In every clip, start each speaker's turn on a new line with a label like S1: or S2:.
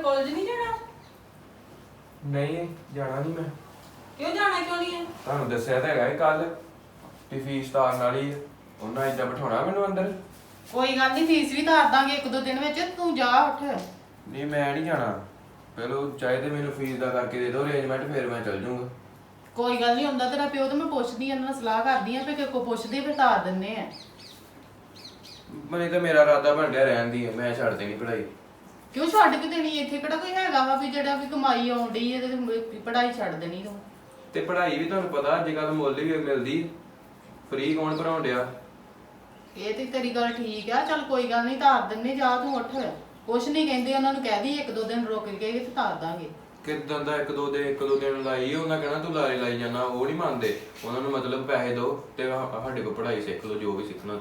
S1: College ਨਹੀਂ ਜਾਣਾ?
S2: ਨਹੀਂ ਜਾਣਾ ਨਹੀਂ ਮੈਂ।
S1: ਕਿਉਂ ਜਾਣਾ ਕਿਉਂ ਨਹੀਂ ਹੈ?
S2: ਤੁਹਾਨੂੰ ਦੱਸਿਆ ਤਾਂ ਹੈਗਾ ਇਹ ਕੱਲ ਵੀ ਫੀਸ ਤਾਰਨ ਵਾਲੀ ਹੈ। ਉਹਨਾਂ ਏਦਾਂ ਬਿਠਾਉਣਾ ਮੈਨੂੰ ਅੰਦਰ?
S1: ਕੋਈ ਗੱਲ ਨਹੀਂ, ਫੀਸ ਵੀ ਤਾਰ ਦਾਂਗੇ ਇੱਕ ਦੋ ਦਿਨ ਵਿੱਚ। ਤੂੰ ਜਾ ਉੱਠ।
S2: ਨਹੀਂ ਮੈਂ ਨਹੀਂ ਜਾਣਾ। ਪਹਿਲਾਂ ਚਾਹੇ ਤੇ ਮੈਨੂੰ ਫੀਸ ਦਾ ਕਰਕੇ ਦੇ ਦਿਓ ਅਰੇਂਜਮੈਂਟ, ਫਿਰ ਮੈਂ ਚੱਲ ਜਾਊਂਗਾ।
S1: ਕੋਈ ਗੱਲ ਨਹੀਂ ਹੁੰਦਾ ਤੇਰਾ ਪਿਓ, ਤੇ ਮੈਂ ਪੁੱਛਦੀ ਆਂ, ਇਹਨਾਂ ਨਾਲ ਸਲਾਹ ਕਰਦੀ ਆਂ, ਫਿਰ ਕੋ ਪੁੱਛਦੇ ਫਿਰ ਤਾਰ ਦਿੰਨੇ ਆ।
S2: ਮੈਨੂੰ ਤਾਂ ਮੇਰਾ ਇਰਾਦਾ ਬਣ ਗਿਆ ਰਹਿਣ ਦੀ ਹੈ, ਮੈਂ ਛੱਡ ਦੇਣੀ ਪੜ੍ਹਾਈ।
S1: ਕਿਉਂ ਛੱਡ ਕੇ ਦੇਣੀ? ਇੱਥੇ ਕਿਹੜਾ ਕੋਈ ਹੈਗਾ ਵਾ ਵੀ ਜਿਹੜਾ ਵੀ ਕਮਾਈ ਆਉਂਦੀ ਹੈ ਤੇ ਪੜ੍ਹਾਈ ਛੱਡ ਦੇਣੀ ਤੂੰ?
S2: ਤੇ ਪੜ੍ਹਾਈ ਵੀ ਤੁਹਾਨੂੰ ਪਤਾ ਅੱਜ ਕੱਲ੍ਹ ਮੁੱਲ ਵੀ ਮਿਲਦੀ, ਫ੍ਰੀ ਕੌਣ ਪੜਾਉਣ ਡਿਆ।
S1: ਇਹ ਤੇ ਤੇਰੀ ਗੱਲ ਠੀਕ ਆ, ਚੱਲ ਕੋਈ ਗੱਲ ਨਹੀਂ ਤਾਰ ਦਿੰਨੇ, ਜਾ ਤੂੰ ਉੱਠ। ਕੁਛ ਨਹੀਂ ਕਹਿੰਦੇ, ਉਹਨਾਂ ਨੂੰ ਕਹਿ ਦੀ ਇੱਕ ਦੋ ਦਿਨ ਰੁਕ ਕੇ ਤੇ ਤਾਰ ਦਾਂਗੇ।
S2: ਕਿੱਦਾਂ ਦਾ ਇੱਕ ਦੋ ਦਿਨ ਲਾਈ, ਉਹਨਾਂ ਕਹਿਣਾ ਤੂੰ ਲਾਰੇ ਲਾਈ ਜਾਣਾ। ਉਹ ਨਹੀਂ ਮੰਨਦੇ, ਉਹਨਾਂ ਨੂੰ ਮਤਲਬ ਪੈਸੇ ਦਿਓ ਤੇ ਸਾਡੇ ਕੋਲ ਪੜ੍ਹਾਈ ਸਿੱਖ ਲਓ ਜੋ ਵੀ ਸਿੱਖਣਾ।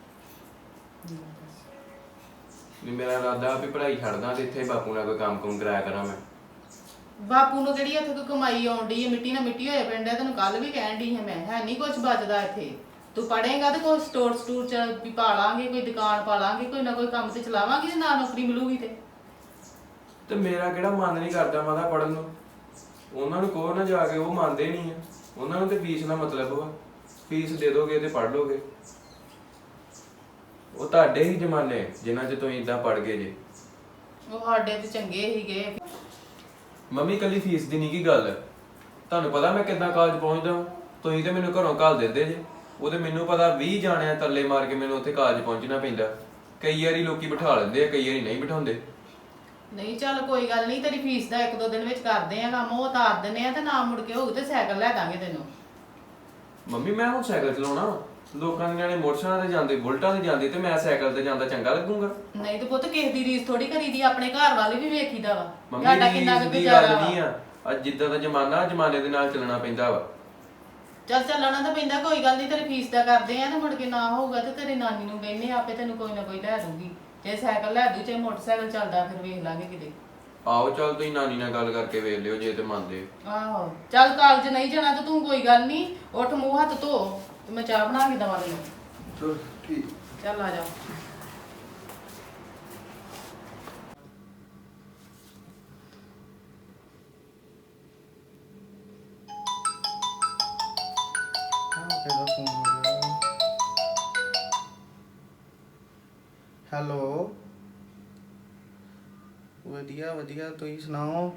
S2: ਨਹੀਂ ਮੇਰਾ ਇਰਾਦਾ ਵੀ ਪੜ੍ਹਾਈ ਛੱਡਦਾ ਤੇ ਇੱਥੇ ਬਾਪੂ ਨਾਲ ਕੋਈ ਕੰਮ ਕਰਾਇਆ ਕਰਾਂ ਮੈਂ।
S1: ਬਾਪੂ ਨੂੰ ਕਿਹੜੀ ਇੱਥੇ ਕੋਈ ਕਮਾਈ ਆਉਂਦੀ ਹੈ? ਮਿੱਟੀ ਨਾਲ ਮਿੱਟੀ ਹੋਏ ਪਿੰਡ ਹੈ। ਤੈਨੂੰ ਕੱਲ ਵੀ ਕਹਿਣ ਦੀ ਹੈ ਮੈਂ, ਹੈ ਨਹੀਂ ਕੁਝ ਬਚਦਾ ਇੱਥੇ। ਤੂੰ ਪੜ੍ਹੇਗਾ ਤੇ ਕੋਈ ਸਟੋਰ ਚ ਵੀ ਪਾ ਲਾਂਗੇ, ਕੋਈ ਦੁਕਾਨ ਪਾ ਲਾਂਗੇ, ਕੋਈ ਨਾ ਕੋਈ ਕੰਮ ਤੇ ਚਲਾਵਾਂਗੇ, ਤੇ ਨਾ ਨੌਕਰੀ ਮਿਲੂਗੀ ਤੇ
S2: ਮੇਰਾ ਕਿਹੜਾ ਮਨ ਨਹੀਂ ਕਰਦਾ ਮਾਦਾ ਪੜਨ ਨੂੰ। ਉਹਨਾਂ ਨੂੰ ਕਹੋ ਨਾ ਜਾ ਕੇ, ਉਹ ਮੰਨਦੇ ਨਹੀਂ ਆ। ਉਹਨਾਂ ਨੂੰ ਤੇ ਫੀਸ ਨਾਲ ਮਤਲਬ ਵਾ, ਫੀਸ ਦੇ ਦੋਗੇ ਤੇ ਪੜ੍ਹ ਲੋਗੇ। ਉਹ ਤੁਹਾਡੇ ਹੀ ਜ਼ਮਾਨੇ ਜਿਨ੍ਹਾਂ 'ਚ ਤੁਸੀਂ ਇਦਾਂ ਪੜ੍ਹ ਗਏ ਜੇ।
S1: ਉਹ ਸਾਡੇ ਤੇ ਚੰਗੇ ਹੀਗੇ।
S2: ਮੰਮੀ ਕੱਲੀ ਫੀਸ ਦੀ ਨਹੀਂ ਕੀ ਗੱਲ, ਤੁਹਾਨੂੰ ਪਤਾ ਮੈਂ ਕਿੱਦਾਂ ਕਾਲਜ ਪਹੁੰਚਦਾ। ਤੁਸੀਂ ਤੇ ਮੈਨੂੰ ਘਰੋਂ ਘੱਲ ਦਿੰਦੇ ਜੇ, ਉਹ ਤੇ ਮੈਨੂੰ ਪਤਾ 20 ਜਾਣਿਆਂ ਤਰਲੇ ਮਾਰ ਕੇ ਮੈਨੂੰ ਉੱਥੇ ਕਾਲਜ ਪਹੁੰਚਣਾ ਪੈਂਦਾ। ਕਈ ਵਾਰੀ ਲੋਕੀ ਬਿਠਾ ਲੈਂਦੇ ਆ, ਕਈ ਵਾਰੀ ਨਹੀਂ ਬਿਠਾਉਂਦੇ।
S1: ਨਹੀਂ ਚੱਲ ਕੋਈ ਗੱਲ ਨਹੀਂ, ਤੇਰੀ ਫੀਸ ਦਾ ਇੱਕ ਦੋ ਦਿਨ ਵਿੱਚ ਕਰਦੇ ਆ ਕੰਮ, ਉਹ ਤਾਰ ਦਿੰਨੇ ਆ, ਤੇ ਨਾ ਮੁੜ ਕੇ ਹੋਊ ਤੇ ਸਾਈਕਲ ਲੈ ਦਾਂਗੇ ਤੈਨੂੰ।
S2: ਮੰਮੀ ਮੈਂ ਹੁਣ ਸਾਈਕਲ ਚਲਾਉਣਾ, ਲੋਕਾਂ ਦੇ ਨਿਆਣੇ ਮੋਟਰਸਾਈਕਲਾਂ ਤੇ ਜਾਂਦੇ, ਬੁਲਟਾਂ ਤੇ ਜਾਂਦੇ, ਤੇ ਮੈਂ ਸਾਈਕਲ ਤੇ ਜਾਂਦਾ ਚੰਗਾ ਲੱਗੂਗਾ?
S1: ਨਹੀਂ ਤੇ ਪੁੱਤ ਕਿਸੇ ਦੀ ਰੀਸ ਥੋੜੀ ਕਰੀਦੀ, ਆਪਣੇ ਘਰ ਵਾਲੇ ਵੀ ਵੇਖੀਦਾ ਵਾ।
S2: ਮੰਮੀ
S1: ਸਾਡਾ ਕਿੰਨਾ ਕੁ
S2: ਦੀ
S1: ਗੁਜ਼ਾਰਾ
S2: ਗੱਲ
S1: ਵਾ।
S2: ਨਹੀਂ ਆ, ਅੱਜ ਜਿੱਦਾਂ ਦਾ ਜ਼ਮਾਨਾ, ਜ਼ਮਾਨੇ ਦੇ ਨਾਲ ਚੱਲਣਾ ਪੈਂਦਾ ਵਾ।
S1: ਚੱਲ ਚੱਲਣਾ ਤਾਂ ਪੈਂਦਾ, ਕੋਈ ਗੱਲ ਨਹੀਂ, ਤੇਰੀ ਫੀਸ ਦਾ ਕਰਦੇ ਆ, ਤੇ ਮੁੜ ਕੇ ਨਾ ਹੋਊਗਾ ਤੇ ਤੇਰੀ ਨਾਨੀ ਨੂੰ ਕਹਿੰਨੇ ਆਪੇ ਤੈਨੂੰ ਕੋਈ ਨਾ ਕੋਈ ਲੈ ਦੂਗੀ। ਜੇ ਸਾਈਕਲ ਲੈ ਦੂ, ਚਾਹੇ ਮੋਟਰਸਾਈਕਲ ਚੱਲਦਾ, ਫਿਰ ਵੇਖ ਲਾਂਗੇ ਕਿਤੇ।
S2: ਆਓ ਚੱਲ ਤੁਸੀਂ ਨਾਨੀ ਨਾਲ ਗੱਲ ਕਰਕੇ ਵੇਖ ਲਿਓ ਜੇ ਤੇ ਮੰਨਦੇ।
S1: ਆਹੋ ਚੱਲ, ਕਾਲਜ ਨਹੀਂ ਜਾਣਾ ਤੇ ਤੂੰ ਕੋਈ ਗੱਲ ਨਹੀਂ, ਉੱਠ ਮੂੰਹ ਹੱਥ ਧੋ ਤੇ ਮੈਂ ਚਾਹ ਬਣਾ ਕੇ ਦਵਾ ਤੈਨੂੰ।
S2: ਚਲ ਠੀਕ।
S1: ਚੱਲ ਆ ਜਾ।
S3: ਹੈਲੋ, ਵਧੀਆ ਵਧੀਆ, ਤੁਸੀਂ ਸੁਣਾਓ?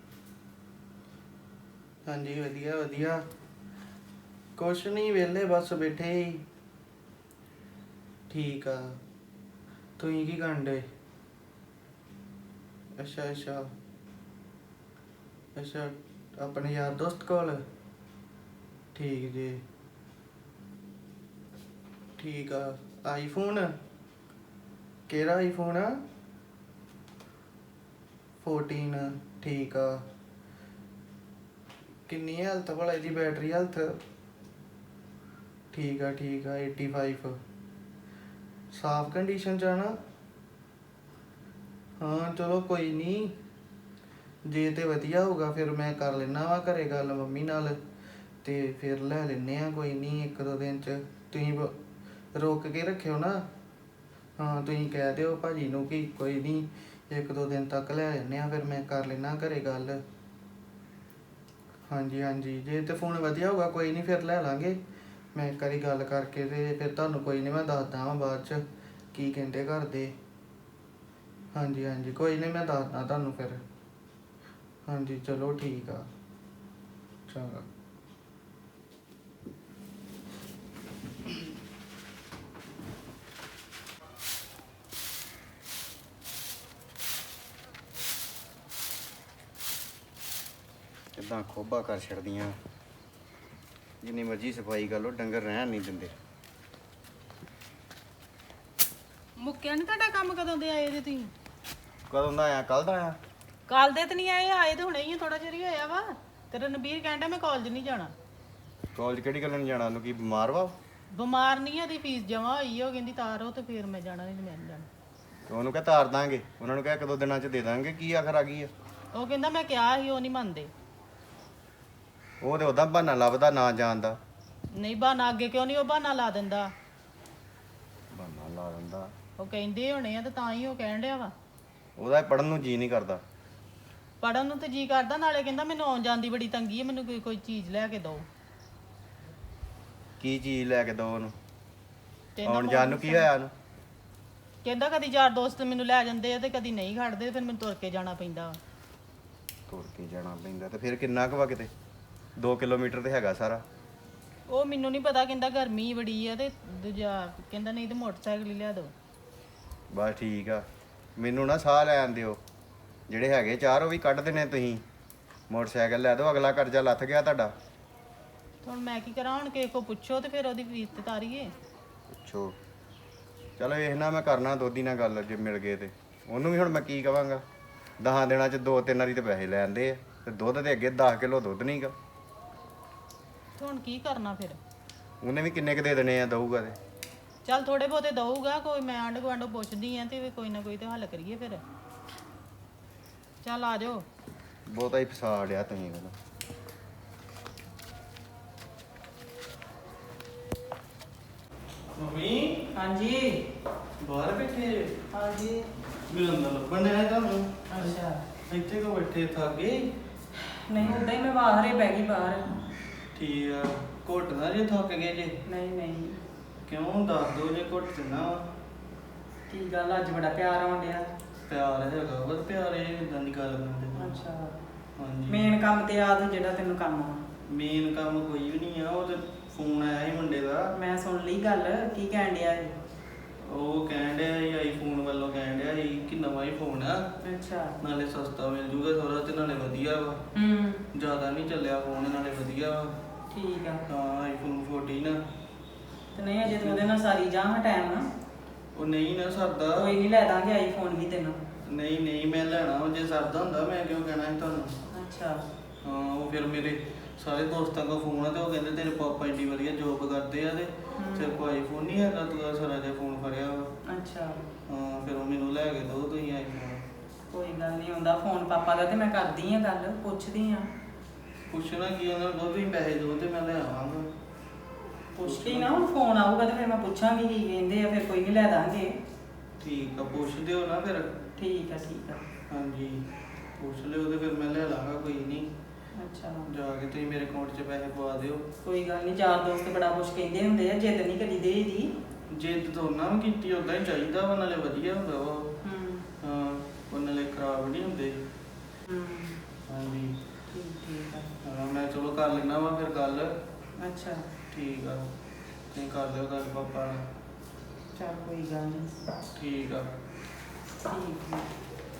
S3: ਹਾਂਜੀ ਵਧੀਆ ਵਧੀਆ, ਕੁਛ ਨਹੀਂ, ਵਿਹਲੇ ਬਸ ਬੈਠੇ ਹੀ। ਠੀਕ ਆ, ਤੁਸੀਂ ਕੀ ਕਰਨ ਡੇ? ਅੱਛਾ ਅੱਛਾ ਅੱਛਾ, ਆਪਣੇ ਯਾਰ ਦੋਸਤ ਕੋਲ? ਠੀਕ ਜੀ, ਠੀਕ ਆ। ਆਈਫੋਨ? ਕਿਹੜਾ ਆਈਫੋਨ ਆ? 14? ਠੀਕ ਆ। ਕਿੰਨੀ ਹੈਲਥ ਭਲਾ ਇਹਦੀ, ਬੈਟਰੀ ਹੈਲਥ? ਠੀਕ ਆ ਠੀਕ ਆ, 85। ਸਾਫ ਕੰਡੀਸ਼ਨ 'ਚ ਆ ਨਾ? ਹਾਂ ਚਲੋ ਕੋਈ ਨਹੀਂ, ਜੇ ਤੇ ਵਧੀਆ ਹੋਊਗਾ ਫਿਰ ਮੈਂ ਕਰ ਲੈਣਾ ਵਾ ਘਰੇ ਗੱਲ ਮੰਮੀ ਨਾਲ, ਤੇ ਫਿਰ ਲੈ ਲੈਂਦੇ ਆ। ਕੋਈ ਨਹੀਂ, ਇੱਕ ਦੋ ਦਿਨ 'ਚ ਤੁਸੀਂ ਰੋਕ ਕੇ ਰੱਖਿਓ ਨਾ। ਹਾਂ ਤੁਸੀਂ ਕਹਿ ਦਿਓ ਭਾਜੀ ਨੂੰ ਕਿ ਕੋਈ ਨਹੀਂ, ਇੱਕ ਦੋ ਦਿਨ ਤੱਕ ਲੈ ਲੈਂਦੇ ਆ, ਫਿਰ ਮੈਂ ਕਰ ਲੈਣਾ ਘਰੇ ਗੱਲ। ਹਾਂਜੀ ਹਾਂਜੀ, ਜੇ ਤੇ ਫੋਨ ਵਧੀਆ ਹੋਊਗਾ ਕੋਈ ਨਹੀਂ, ਫਿਰ ਲੈ ਲਾਂਗੇ। ਮੈਂ ਇੱਕ ਵਾਰੀ ਗੱਲ ਕਰਕੇ ਤੇ ਫਿਰ ਤੁਹਾਨੂੰ ਕੋਈ ਨਹੀਂ ਮੈਂ ਦੱਸਦਾ ਵਾਂ ਬਾਅਦ 'ਚ ਕੀ ਕਹਿੰਦੇ ਘਰ ਦੇ। ਹਾਂਜੀ ਹਾਂਜੀ ਕੋਈ ਨਹੀਂ, ਮੈਂ ਦੱਸਦਾ ਤੁਹਾਨੂੰ ਫਿਰ। ਹਾਂਜੀ ਚਲੋ ਠੀਕ ਆ, ਚੰਗਾ।
S4: ਕਿੱਦਾਂ ਖੋਬਾ ਕਰ ਛੱਡਦੀਆਂ, ਜਿੰਨੀ ਮਰਜ਼ੀ ਸਫਾਈ ਕਰ ਲਓ, ਡੰਗਰ ਰਹਿਣ ਨਹੀਂ ਦਿੰਦੇ।
S1: ਮੁੱਕਿਆ ਨਹੀਂ ਤੁਹਾਡਾ ਕੰਮ? ਕਦੋਂ ਦੇ ਆਏ ਜੇ ਤੁਸੀਂ?
S4: ਕਦੋਂ ਦਾ ਆਇਆ? ਕੱਲ ਦਾ ਆਇਆ।
S1: ਕੱਲ ਦੇ ਤੇ ਨਹੀਂ ਆਏ, ਆਏ ਤੇ ਹੁਣੇ ਹੀ ਆ, ਥੋੜਾ ਚਿਰ ਹੀ ਹੋਇਆ ਵਾ। ਤੇਰਾ ਨਬੀਰ ਕਹਿੰਦਾ ਮੈਂ ਕਾਲਜ ਨਹੀਂ ਜਾਣਾ।
S4: ਕਾਲਜ ਕਿਹੜੀ ਗੱਲ ਨਹੀਂ ਜਾਣਾ? ਉਹਨੂੰ ਕੀ ਬਿਮਾਰ ਵਾ?
S1: ਬਿਮਾਰ ਨਹੀਂ, ਉਹਦੀ ਫੀਸ ਜਮਾ ਹੋਈ, ਉਹ ਕਹਿੰਦੀ ਤਾਰੋ ਤੇ ਫਿਰ ਮੈਂ ਜਾਣਾ, ਨਹੀਂ ਮੈਂ ਨਹੀਂ ਜਾਣਾ।
S4: ਉਹਨੂੰ ਕਹਿ ਤਾਰ ਦਾਂਗੇ, ਉਹਨਾਂ ਨੂੰ ਕਹਿ ਇੱਕ ਦੋ ਦਿਨਾਂ 'ਚ ਦੇ ਦਾਂਗੇ, ਕੀ ਆਖਰ ਆ ਗਈ ਆ?
S1: ਉਹ ਕਹਿੰਦਾ ਮੈਂ ਕਿਹਾ ਸੀ, ਉਹ ਨਹੀਂ ਮੰਨਦੇ।
S4: ਉਹ ਤੇ ਉਹਦਾ ਬਹਾਨਾ ਲੱਭਦਾ ਨਾ ਜਾਣ ਦਾ।
S1: ਨਹੀਂ ਬਹਾਨਾ, ਅੱਗੇ ਕਿਉਂ ਨਹੀਂ ਉਹ ਬਹਾਨਾ ਲਾ ਦਿੰਦਾ?
S4: ਬਹਾਨਾ ਲਾ ਦਿੰਦਾ।
S1: ਉਹ ਕਹਿੰਦੇ ਹੋਣੇ ਆ ਤੇ ਤਾਂ ਹੀ ਉਹ ਕਹਿਣ ਡਿਆ ਵਾ।
S4: ਉਹਦਾ ਪੜਨ ਨੂੰ ਜੀ ਨਹੀਂ ਕਰਦਾ।
S1: ਪੜਨ ਨੂੰ ਤੇ ਜੀ ਕਰਦਾ, ਨਾਲੇ ਕਹਿੰਦਾ ਮੈਨੂੰ ਆਉਣ ਜਾਣ ਦੀ ਬੜੀ ਤੰਗੀ ਹੈ, ਮੈਨੂੰ ਕੋਈ ਚੀਜ਼ ਲੈ ਕੇ ਦਿਓ।
S4: ਕੀ ਚੀਜ਼ ਲੈ ਕੇ ਦੋ ਉਹਨੂੰ?
S1: ਕਹਿੰਦਾ
S4: ਆਉਣ ਜਾਣ ਨੂੰ ਕੀ ਹੋਇਆ ਉਹਨੂੰ?
S1: ਕਹਿੰਦਾ ਕਦੀ ਯਾਰ ਦੋਸਤ ਮੈਨੂੰ ਲੈ ਜਾਂਦੇ ਆ ਤੇ ਕਦੀ ਨਹੀਂ ਖੜਦੇ, ਫਿਰ ਮੈਨੂੰ ਤੁਰ ਕੇ ਜਾਣਾ ਪੈਂਦਾ।
S4: ਤੁਰ ਕੇ ਜਾਣਾ ਪੈਂਦਾ ਤੇ ਫਿਰ ਕਿੰਨਾ ਕੁ ਵਾ? ਕਿਤੇ 2 ਕਿਲੋਮੀਟਰ ਤੇ ਹੈਗਾ ਸਾਰਾ।
S1: ਉਹ ਮੈਨੂੰ ਨਹੀਂ ਪਤਾ, ਕਹਿੰਦਾ ਗਰਮੀ ਬੜੀ ਆ ਤੇ ਦੂਜਾ ਕਹਿੰਦਾ ਨਹੀਂ ਤੇ ਮੋਟਰਸਾਈਕਲ ਹੀ ਲਿਆ ਦਿਓ।
S4: ਬਸ ਠੀਕ ਆ, ਮੈਨੂੰ ਨਾ ਸਾਹ ਲੈਣ ਦਿਓ। ਜਿਹੜੇ ਹੈਗੇ 4 ਉਹ ਵੀ ਕੱਢ ਦੇਣੇ ਤੁਸੀਂ। ਮੋਟਰਸਾਈਕਲ ਲੈ ਦਿਓ, ਅਗਲਾ ਕਰਜ਼ਾ ਲੱਥ ਗਿਆ ਤੁਹਾਡਾ।
S1: ਹੁਣ ਮੈਂ ਕੀ ਕਰਾਂ? ਹੁਣ ਕਿਸੇ ਕੋ ਪੁੱਛੋ ਤੇ ਫਿਰ ਉਹਦੀ ਫੀਸ ਤੇ ਤਾਰੀਏ।
S4: ਪੁੱਛੋ। ਚਲੋ ਇਹ ਨਾ ਮੈਂ ਕਰਨਾ ਦੋਦੀ ਨਾਲ ਗੱਲ, ਜੇ ਮਿਲ ਗਏ ਤੇ ਉਹਨੂੰ ਵੀ ਹੁਣ ਮੈਂ ਕੀ ਕਵਾਂਗਾ? 10 ਦਿਨਾਂ ਚ 2-3 ਵਾਰੀ ਤੇ ਪੈਸੇ ਲੈ ਆਂਦੇ ਆ ਤੇ ਦੁੱਧ ਦੇ ਅੱਗੇ 10 ਕਿਲੋ ਦੁੱਧ ਨਹੀਂਗਾ।
S1: ਤੇ ਹੁਣ ਕੀ ਕਰਨਾ ਫਿਰ?
S4: ਉਹਨੇ ਵੀ ਕਿੰਨੇ ਕ ਦੇ ਦੇਣੇ ਆ ਦਊਗਾ ਤੇ?
S1: ਚੱਲ ਥੋੜੇ ਬਹੁਤੇ ਦਊਗਾ, ਕੋਈ ਮੈਂ ਆਂਢ ਗੁਆਂਢੋਂ ਪੁੱਛਦੀ ਆ ਤੇ ਕੋਈ ਨਾ ਕੋਈ ਤੇ ਹੱਲ ਕਰੀਏ ਫਿਰ। ਚੱਲ ਆ ਜਾਓ।
S4: ਬਹੁਤਾ ਹੀ ਫਸਾ ਡਿਆ ਤੁਸੀਂ ਮੈਨੂੰ।
S3: ਮੰਮੀ
S1: ਹਾਂਜੀ
S3: ਬਾਹਰ ਬੈਠੇ ਜੇ?
S1: ਹਾਂਜੀ।
S3: ਮੈਨੂੰ ਅੰਦਰ ਲੱਭਣ ਡਿਆ ਤੁਹਾਨੂੰ।
S1: ਅੱਛਾ।
S3: ਇੱਥੇ ਕੋ ਬੈਠੇ ਥੱਕ ਗਏ?
S1: ਨਹੀਂ ਉਦਾਂ ਹੀ ਮੈਂ ਬਾਹਰ ਹੀ ਬਹਿ ਗਈ ਬਾਹਰ।
S3: ਠੀਕ ਆ। ਘੁੱਟ ਨਾ ਜੇ ਥੱਕ ਗਏ ਜੇ?
S1: ਨਹੀਂ ਨਹੀਂ।
S3: ਕਿਉਂ ਦੱਸ ਦੋ ਜੇ ਘੁੱਟ ਦਿੰਦਾ ਵਾ।
S1: ਕੀ ਗੱਲ ਅੱਜ ਬੜਾ ਪਿਆਰ ਆਉਣ ਡਿਆ?
S3: ਪਿਆਰ ਹੈਗਾ ਬਸ, ਪਿਆਰ ਇਹ ਇਦਾਂ ਦੀ ਗੱਲ ਕਰਦੇ।
S1: ਅੱਛਾ।
S3: ਹਾਂਜੀ।
S1: ਮੇਨ ਕੰਮ ਤੇ ਆ ਤੂੰ ਜਿਹੜਾ ਤੈਨੂੰ ਕੰਮ ਆ।
S3: ਮੇਨ ਕੰਮ ਕੋਈ ਵੀ ਨਹੀਂ ਆ, ਉਹ ਤੇ ਫੋਨ ਆਇਆ ਸੀ ਮੁੰਡੇ ਦਾ।
S1: ਮੈਂ ਸੁਣ ਲਈ ਗੱਲ, ਕੀ ਕਹਿਣ ਡਿਆ ਇਹ?
S3: ਉਹ ਕਹਿਣ ਡਿਆ ਸੀ ਆਈਫੋਨ ਵੱਲੋਂ, ਕਹਿਣ ਡਿਆ ਸੀ ਕਿ ਨਵਾਂ ਹੀ ਫੋਨ ਆ,
S1: ਅੱਛਾ।
S3: ਨਾਲੇ ਸਸਤਾ ਮਿਲ ਜੂਗਾ ਥੋੜਾ ਤੇ ਨਾਲੇ ਵਧੀਆ ਵਾ। ਜ਼ਿਆਦਾ ਨਹੀਂ ਚੱਲਿਆ ਫੋਨ, ਨਾਲੇ ਵਧੀਆ ਵਾ।
S1: ਠੀਕ ਆ।
S3: ਹਾਂ ਆਈਫੋਨ 14 ਆ।
S1: ਤੇ ਨਹੀਂ ਅਜੇ ਤੂੰ ਉਹਦੇ ਨਾਲ ਸਾਰੀ ਜਾ ਟਾਈਮ ਨਾ।
S3: ਉਹ ਨਹੀਂ ਨਾ ਸਰਦਾ।
S1: ਕੋਈ ਨਹੀਂ, ਲੈ ਦਾਂਗੇ ਆਈਫੋਨ ਵੀ ਤੈਨੂੰ।
S3: ਨਹੀਂ ਨਹੀਂ ਮੈਂ ਲੈਣਾ ਵਾ, ਜੇ ਸਰਦਾ ਹੁੰਦਾ ਮੈਂ ਕਿਉਂ ਕਹਿਣਾ ਸੀ ਤੁਹਾਨੂੰ।
S1: ਅੱਛਾ।
S3: ਹਾਂ ਉਹ ਫਿਰ ਮੇਰੇ ਸਾਰੇ ਦੋਸਤਾਂ ਕੋਲ ਫੋਨ ਆ ਤੇ ਉਹ ਕਹਿੰਦੇ ਤੇਰੇ ਪਾਪਾ ਇੰਨੀ ਵਧੀਆ ਜੋਬ ਕਰਦੇ ਆ ਤੇ ਤੇਰੇ ਕੋਲ ਆਈਫੋਨ ਨਹੀਂ ਹੈਗਾ, ਤੂੰ ਆ ਸਾਰਾ ਜਿਹਾ ਫੋਨ ਫੜਿਆ ਵਾ।
S1: ਅੱਛਾ।
S3: ਹਾਂ ਫਿਰ ਉਹ ਮੈਨੂੰ ਲੈ ਕੇ ਦੋ ਤੁਸੀਂ ਆਈਫੋਨ।
S1: ਕੋਈ ਗੱਲ ਨਹੀਂ, ਹੁੰਦਾ ਫੋਨ ਪਾਪਾ ਦਾ ਤੇ ਮੈਂ ਕਰਦੀ ਆ ਗੱਲ, ਪੁੱਛਦੀ ਆ।
S3: ਪੁੱਛਣਾ ਕੀ ਉਹਨਾਂ ਨੂੰ, ਵੀ ਪੈਸੇ ਦੋ ਤੇ ਮੈਂ ਲੈ ਆਵਾਂਗਾ।
S1: ਪੁੱਛਦੀ ਨਾ, ਹੁਣ ਫੋਨ ਆਊਗਾ ਤੇ ਫਿਰ ਮੈਂ ਪੁੱਛਾਂਗੀ ਕੀ ਕਹਿੰਦੇ ਆ, ਫਿਰ ਕੋਈ ਨਹੀਂ ਲੈ ਦਾਂਗੇ।
S3: ਠੀਕ ਆ, ਪੁੱਛ ਦਿਓ ਨਾ ਫਿਰ।
S1: ਠੀਕ ਆ ਠੀਕ ਆ।
S3: ਹਾਂਜੀ ਪੁੱਛ ਲਿਓ ਤੇ ਫਿਰ ਮੈਂ ਲੈ ਲਾਂਗਾ, ਕੋਈ ਨਹੀਂ।
S1: ਅੱਛਾ।
S3: ਜਾ ਕੇ ਤੁਸੀਂ ਮੇਰੇ ਅਕਾਊਂਟ 'ਚ ਪੈਸੇ ਪਵਾ ਦਿਓ।
S1: ਕੋਈ ਗੱਲ ਨਹੀਂ, ਯਾਰ ਦੋਸਤ ਬੜਾ ਕੁਛ ਕਹਿੰਦੇ ਹੁੰਦੇ ਆ, ਜਿੱਦ ਨਹੀਂ ਕਰੀ ਦੇਈਦੀ।
S3: ਜਿੱਦ ਤਾਂ ਉਹਨਾਂ ਨੂੰ ਕੀਤੀ ਉਦਾਂ ਹੀ ਚਾਹੀਦਾ ਵਾ, ਨਾਲੇ ਵਧੀਆ ਹੁੰਦਾ ਵਾ। ਹਾਂ ਉਹ ਨਾਲੇ ਖਰਾਬ ਨਹੀਂ ਹੁੰਦੇ। ਹਾਂਜੀ
S1: ਠੀਕ ਠੀਕ ਆ।
S3: ਹਾਂ ਮੈਂ ਚਲੋ ਕਰ ਲੈਣਾ ਵਾ ਫਿਰ ਗੱਲ।
S1: ਅੱਛਾ।
S3: ਠੀਕ ਆ, ਤੁਸੀਂ ਕਰ ਲਿਓ ਗੱਲ ਪਾਪਾ ਨਾਲ।
S1: ਚੱਲ ਕੋਈ ਗੱਲ ਨਹੀਂ।
S3: ਠੀਕ ਆ।
S1: ਠੀਕ ਹੈ।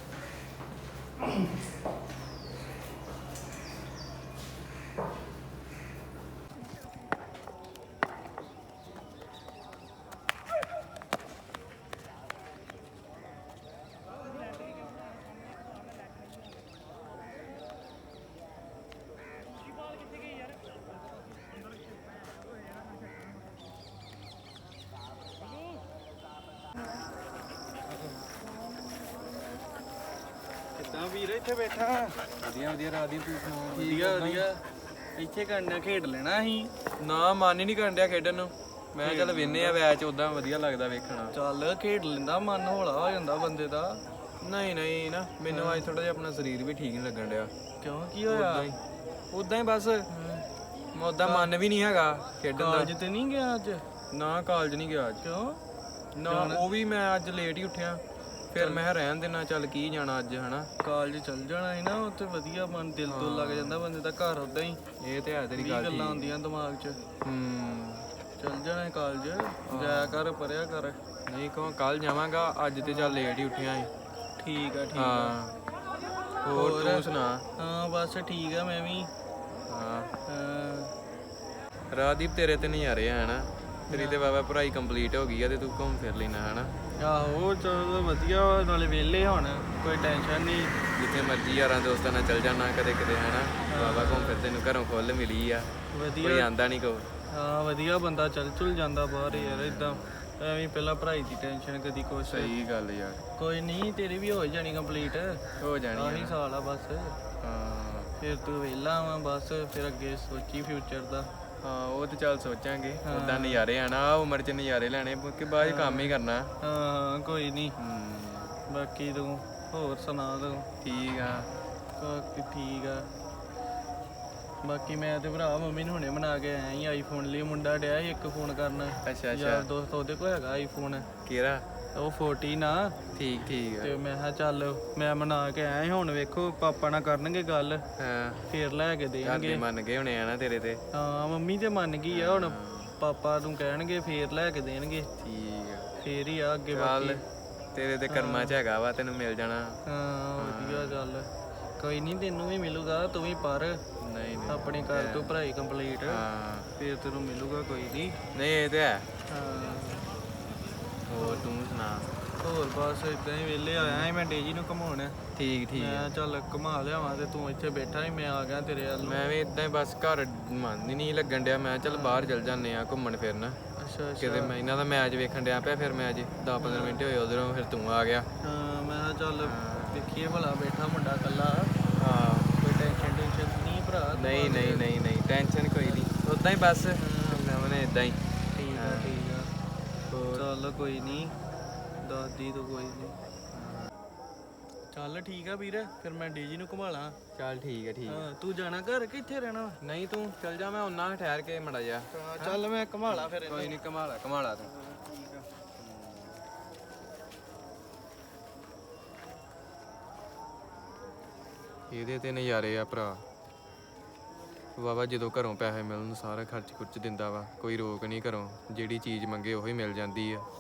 S3: ਕਿੱਦਾਂ ਵੀਰ ਇੱਥੇ ਬੈਠਾ?
S2: ਵਧੀਆ ਵਧੀਆ ਰਾਦੀ, ਤੂੰ ਸੁਣਾ?
S3: ਵਧੀਆ ਵਧੀਆ। ਇੱਥੇ ਕੰਡਾ ਖੇਡ ਲੈਣਾ ਸੀ।
S2: ਨਾ ਮਨ ਹੀ ਨਹੀਂ ਕਰਨ ਡਿਆ ਖੇਡਣ ਨੂੰ। ਮੈਂ ਚੱਲ ਵੇਨੇ ਆ ਮੈਚ, ਉਦਾਂ ਵਧੀਆ ਲੱਗਦਾ ਵੇਖਣਾ।
S3: ਚੱਲ ਖੇਡ ਲੈਂਦਾ, ਮਨ ਹੌਲਾ ਹੋ ਜਾਂਦਾ ਬੰਦੇ ਦਾ।
S2: ਨਹੀਂ ਨਹੀਂ ਨਾ, ਮੈਨੂੰ ਅੱਜ ਥੋੜਾ ਜਿਹਾ ਆਪਣਾ ਸਰੀਰ ਵੀ ਠੀਕ ਨਹੀਂ ਲੱਗਣ ਡਿਆ।
S3: ਕਿਉਂ ਕੀ ਹੋਇਆ?
S2: ਉਦਾਂ ਹੀ ਬਸ, ਮੈਂ ਉਦਾਂ ਮਨ ਵੀ ਨਹੀਂ ਹੈਗਾ ਖੇਡਣ ਦਾ।
S3: ਕਾਲਜ ਤੇ ਨਹੀਂ ਗਿਆ ਅੱਜ?
S2: ਨਾ ਕਾਲਜ ਨਹੀਂ ਗਿਆ ਅੱਜ।
S3: ਕਿਉਂ?
S2: ਨਾ ਉਹ ਵੀ ਮੈਂ ਅੱਜ ਲੇਟ ਹੀ ਉੱਠਿਆ, ਫਿਰ ਮੈਂ ਰਹਿਣ ਦੇਣਾ, ਚੱਲ ਕੀ ਜਾਣਾ ਅੱਜ ਹਨਾ।
S3: ਕਾਲਜ ਚੱਲ ਜਾਣਾ ਸੀ ਨਾ, ਉੱਥੇ ਵਧੀਆ ਮਨ ਦਿਲ ਤੋਂ ਲੱਗ ਜਾਂਦਾ ਬੰਦੇ ਦਾ। ਘਰ ਉਦਾਂ ਹੀ
S2: ਇਹ ਤੇ ਹੈ ਤੇਰੀ ਗੱਲ
S3: ਗੱਲਾਂ ਆਉਂਦੀਆਂ ਦਿਮਾਗ 'ਚ। ਚੱਲ ਜਾਣਾ ਕਾਲਜ, ਜਾਇਆ ਕਰ, ਪੜਿਆ ਕਰ।
S2: ਨਹੀਂ ਕਹੋ ਕੱਲ ਜਾਵਾਂਗਾ, ਅੱਜ ਤੇ ਚੱਲ ਲੇਟ ਹੀ ਉੱਠਿਆ ਸੀ।
S3: ਠੀਕ ਆ ਠੀਕ ਆ।
S2: ਹਾਂ ਹੋਰ ਤੂੰ ਸੁਣਾ?
S3: ਹਾਂ ਬਸ ਠੀਕ ਆ ਮੈਂ ਵੀ।
S2: ਹਾਂ
S3: ਹਾਂ
S2: ਰਾਦੀਪ, ਤੇਰੇ ਤੇ ਨਜ਼ਾਰੇ ਆ ਹਨਾ। ਤੇਰੀ ਤੇ ਬਾਬਾ ਪੜ੍ਹਾਈ ਕੰਪਲੀਟ ਹੋ ਗਈ ਆ ਤੇ ਤੂੰ ਘੁੰਮ ਫਿਰ ਲੈਣਾ ਹਨਾ।
S3: ਆਹੋ ਚਲੋ ਵਧੀਆ ਵਾ, ਨਾਲੇ ਵਿਹਲੇ ਹੁਣ, ਕੋਈ ਟੈਨਸ਼ਨ ਨਹੀਂ।
S2: ਜਿੱਥੇ ਮਰਜੀ ਯਾਰਾਂ ਦੋਸਤਾਂ ਨਾਲ ਚੱਲ ਜਾਣਾ ਕਦੇ ਕਦੇ ਹਨਾ। ਬਾਬਾ ਘੁੰਮ ਫਿਰ, ਤੈਨੂੰ ਘਰੋਂ ਖੁੱਲ ਮਿਲੀ ਆ, ਕੋਈ
S3: ਵਧੀਆ।
S2: ਆਂਦਾ ਨਹੀਂ ਕੋ।
S3: ਹਾਂ ਵਧੀਆ, ਬੰਦਾ ਚੱਲ ਚੁਲ ਜਾਂਦਾ ਬਾਹਰ ਯਾਰ। ਇਦਾਂ ਐਵੇਂ ਪਹਿਲਾਂ ਪੜ੍ਹਾਈ ਦੀ ਟੈਨਸ਼ਨ, ਕਦੀ ਕੁਛ।
S2: ਸਹੀ ਗੱਲ ਯਾਰ।
S3: ਕੋਈ ਨਹੀਂ, ਤੇਰੀ ਵੀ ਹੋ ਜਾਣੀ ਕੰਪਲੀਟ।
S2: ਹੋ ਜਾਣੀ
S3: ਆਹੀ ਸਾਲ ਆ ਬਸ।
S2: ਹਾਂ
S3: ਫਿਰ ਤੂੰ ਵਿਹਲਾ ਵਾ ਬਸ, ਫਿਰ ਅੱਗੇ ਸੋਚੀ ਫਿਊਚਰ ਦਾ।
S2: ਹਾਂ ਉਹ ਤੇ ਚੱਲ ਸੋਚਾਂਗੇ। ਉਦਾਂ ਨਜ਼ਾਰੇ ਆਣਾ, ਉਮਰ 'ਚ ਨਜ਼ਾਰੇ ਲੈਣੇ, ਕਿ ਬਾਅਦ 'ਚ ਕੰਮ ਹੀ ਕਰਨਾ।
S3: ਹਾਂ ਕੋਈ ਨਹੀਂ। ਬਾਕੀ ਤੂੰ ਹੋਰ ਸੁਣਾ ਤੂੰ?
S2: ਠੀਕ ਆ।
S3: ਠੀਕ ਆ। ਬਾਕੀ ਮੈਂ ਤੇ ਭਰਾ ਮੰਮੀ ਨੂੰ ਹੁਣੇ ਬਣਾ ਕੇ ਆਇਆ ਸੀ ਆਈਫੋਨ ਲਈ। ਮੁੰਡਾ ਡਿਆ ਸੀ ਇੱਕ ਫੋਨ ਕਰਨ।
S2: ਅੱਛਾ
S3: ਯਾਰ ਦੋਸਤ ਉਹਦੇ ਕੋਲ ਹੈਗਾ ਆਈਫੋਨ,
S2: ਕਿਹੜਾ?
S3: ਉਹ 14 ਆ।
S2: ਠੀਕ ਆ।
S3: ਤੇ ਮੈਂ ਕਿਹਾ ਚੱਲ ਮੈਂ ਮਨਾ ਕੇ ਆਇਆ ਸੀ, ਹੁਣ ਵੇਖੋ ਪਾਪਾ ਨਾਲ ਕਰਨਗੇ ਗੱਲ,
S2: ਹਾਂ
S3: ਫੇਰ ਲੈ ਕੇ ਦੇਣਗੇ।
S2: ਮੰਨ ਗਏ ਹੋਣੇ ਆ ਨਾ ਤੇਰੇ ਤੇ।
S3: ਹਾਂ ਮੰਮੀ ਤੇ ਮੰਨ ਗਈ ਆ, ਹੁਣ ਪਾਪਾ ਨੂੰ ਕਹਿਣਗੇ ਫੇਰ ਲੈ ਕੇ ਦੇਣਗੇ।
S2: ਠੀਕ ਆ।
S3: ਫੇਰ ਹੀ ਆ ਅੱਗੇ
S2: ਚੱਲ
S3: ਬਾਕੀ।
S2: ਤੇਰੇ ਤੇ ਕਰਮਾਂ 'ਚ ਹੈਗਾ ਵਾ, ਤੈਨੂੰ ਮਿਲ ਜਾਣਾ।
S3: ਹਾਂ ਵਧੀਆ ਚੱਲ, ਕੋਈ ਨਹੀਂ ਤੈਨੂੰ ਵੀ ਮਿਲੂਗਾ, ਤੂੰ ਵੀ ਪੜ੍ਹ
S2: ਨਹੀਂ
S3: ਆਪਣੀ ਕਰ ਤੂੰ ਪੜ੍ਹਾਈ ਕੰਪਲੀਟ,
S2: ਹਾਂ
S3: ਫੇਰ ਤੈਨੂੰ ਮਿਲੂਗਾ ਕੋਈ ਨਹੀਂ।
S2: ਨਹੀਂ ਇਹ ਤੇ ਹੈ।
S3: ਹਾਂ
S2: ਹੋਰ ਤੂੰ ਸੁਣਾ?
S3: ਹੋਰ ਬਸ ਇਦਾਂ ਹੀ ਵਿਹਲੇ ਆਇਆ ਸੀ ਮੈਂ ਡੇਜੀ ਨੂੰ ਘੁਮਾਉਣ।
S2: ਠੀਕ
S3: ਮੈਂ ਚੱਲ ਘੁਮਾ ਲਿਆਵਾਂ ਤੇ ਤੂੰ ਇੱਥੇ ਬੈਠਾ ਸੀ, ਮੈਂ ਆ ਗਿਆ ਤੇਰੇ ਵੱਲ ਨੂੰ।
S2: ਮੈਂ ਵੀ ਇਦਾਂ ਹੀ ਬਸ ਘਰ ਮਨ ਹੀ ਨਹੀਂ ਲੱਗਣ ਡਿਆ। ਮੈਂ ਚੱਲ ਬਾਹਰ ਚੱਲ ਜਾਂਦੇ ਆ ਘੁੰਮਣ ਫਿਰਨ।
S3: ਅੱਛਾ
S2: ਕਿਤੇ ਮੈਂ ਇਹਨਾਂ ਦਾ ਮੈਚ ਵੇਖਣ ਡਿਆ ਪਿਆ, ਫਿਰ ਮੈਚ 10-15 ਮਿੰਟ ਹੋਏ ਉਧਰੋਂ, ਫਿਰ ਤੂੰ ਆ ਗਿਆ।
S3: ਹਾਂ ਮੈਂ ਕਿਹਾ ਚੱਲ ਦੇਖੀਏ ਭਲਾ ਬੈਠਾ ਮੁੰਡਾ ਇਕੱਲਾ,
S2: ਹਾਂ
S3: ਕੋਈ ਟੈਨਸ਼ਨ ਨਹੀਂ ਭਰਾ।
S2: ਨਹੀਂ ਟੈਨਸ਼ਨ ਕੋਈ ਨਹੀਂ, ਉਦਾਂ ਹੀ ਬਸ ਨਵਨੇ ਇਦਾਂ ਹੀ।
S3: ਠੀਕ ਆ ਚੱਲ ਕੋਈ ਨਹੀਂ, ਦਾਦੀ ਤੋਂ ਕੋਈ ਨਹੀਂ। ਚੱਲ ਠੀਕ ਆ ਵੀਰ, ਫਿਰ ਮੈਂ ਡੀਜੀ ਨੂੰ ਘੁਮਾ ਲਾਂ।
S2: ਚੱਲ ਠੀਕ ਆ।
S3: ਹਾਂ ਤੂੰ ਜਾਣਾ ਘਰ ਕਿ ਇੱਥੇ ਰਹਿਣਾ?
S2: ਨਹੀਂ ਤੂੰ ਚੱਲ ਜਾ, ਮੈਂ ਉਹਨਾਂ ਠਹਿਰ ਕੇ ਮੜਾ ਜਾ।
S3: ਚੱਲ ਮੈਂ ਘੁਮਾ ਲਾਂ ਫਿਰ।
S2: ਕੋਈ ਨਹੀਂ ਘੁਮਾ ਲਾ ਤੂੰ। ਇਹਦੇ ਤੇ ਨਜ਼ਾਰੇ ਆ ਭਰਾ। ਵਾਵਾ ਜਦੋਂ ਘਰੋਂ ਪੈਸੇ ਮਿਲਣ ਸਾਰਾ ਖਰਚ ਖੁਰਚ ਦਿੰਦਾ ਵਾ, ਕੋਈ ਰੋਕ ਨਹੀਂ ਘਰੋਂ, ਜਿਹੜੀ ਚੀਜ਼ ਮੰਗੇ ਉਹੀ ਮਿਲ ਜਾਂਦੀ ਆ।